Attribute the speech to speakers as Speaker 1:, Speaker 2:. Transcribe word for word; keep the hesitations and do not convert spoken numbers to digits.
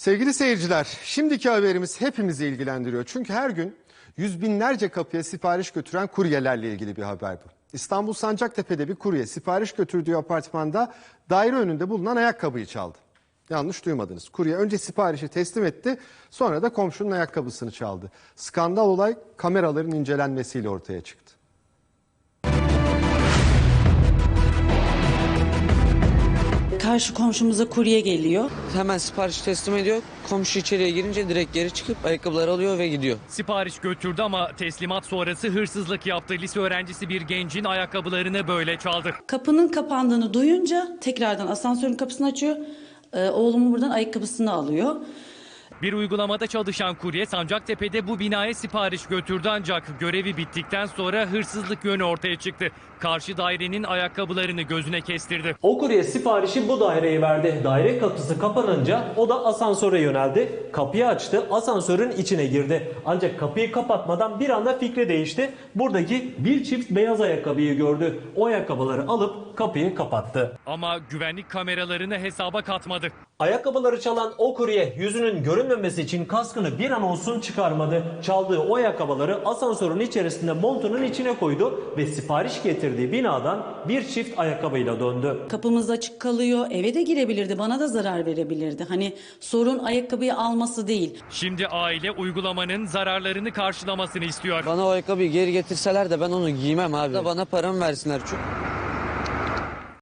Speaker 1: Sevgili seyirciler, şimdiki haberimiz hepimizi ilgilendiriyor. Çünkü her gün yüz binlerce kapıya sipariş götüren kuryelerle ilgili bir haber bu. İstanbul Sancaktepe'de bir kurye sipariş götürdüğü apartmanda daire önünde bulunan ayakkabıyı çaldı. Yanlış duymadınız. Kurye önce siparişi teslim etti, sonra da komşunun ayakkabısını çaldı. Skandal olay kameraların incelenmesiyle ortaya çıktı.
Speaker 2: Karşı komşumuza kurye geliyor.
Speaker 3: Hemen sipariş teslim ediyor. Komşu içeriye girince direkt geri çıkıp ayakkabıları alıyor ve gidiyor.
Speaker 4: Sipariş götürdü ama teslimat sonrası hırsızlık yaptı. Lise öğrencisi bir gencin ayakkabılarını böyle çaldı.
Speaker 2: Kapının kapandığını duyunca tekrardan asansörün kapısını açıyor. Ee, oğlumun buradan ayakkabısını alıyor.
Speaker 4: Bir uygulamada çalışan kurye Sancaktepe'de bu binaya sipariş götürdü ancak görevi bittikten sonra hırsızlık yönü ortaya çıktı. Karşı dairenin ayakkabılarını gözüne kestirdi.
Speaker 5: O kurye siparişi bu daireye verdi. Daire kapısı kapanınca o da asansöre yöneldi. Kapıyı açtı, asansörün içine girdi. Ancak kapıyı kapatmadan bir anda fikri değişti. Buradaki bir çift beyaz ayakkabıyı gördü. O ayakkabıları alıp kapıyı kapattı.
Speaker 4: Ama güvenlik kameralarını hesaba katmadı.
Speaker 5: Ayakkabıları çalan o kurye yüzünün görünmemesi için kaskını bir an olsun çıkarmadı. Çaldığı o ayakkabıları asansörün içerisinde montunun içine koydu ve sipariş getirdiği binadan bir çift ayakkabıyla döndü.
Speaker 2: Kapımız açık kalıyor. Eve de girebilirdi. Bana da zarar verebilirdi. Hani sorun ayakkabıyı alması değil.
Speaker 4: Şimdi aile uygulamanın zararlarını karşılamasını istiyor.
Speaker 3: Bana o ayakkabıyı geri getirseler de ben onu giymem abi. Bana paramı versinler çünkü.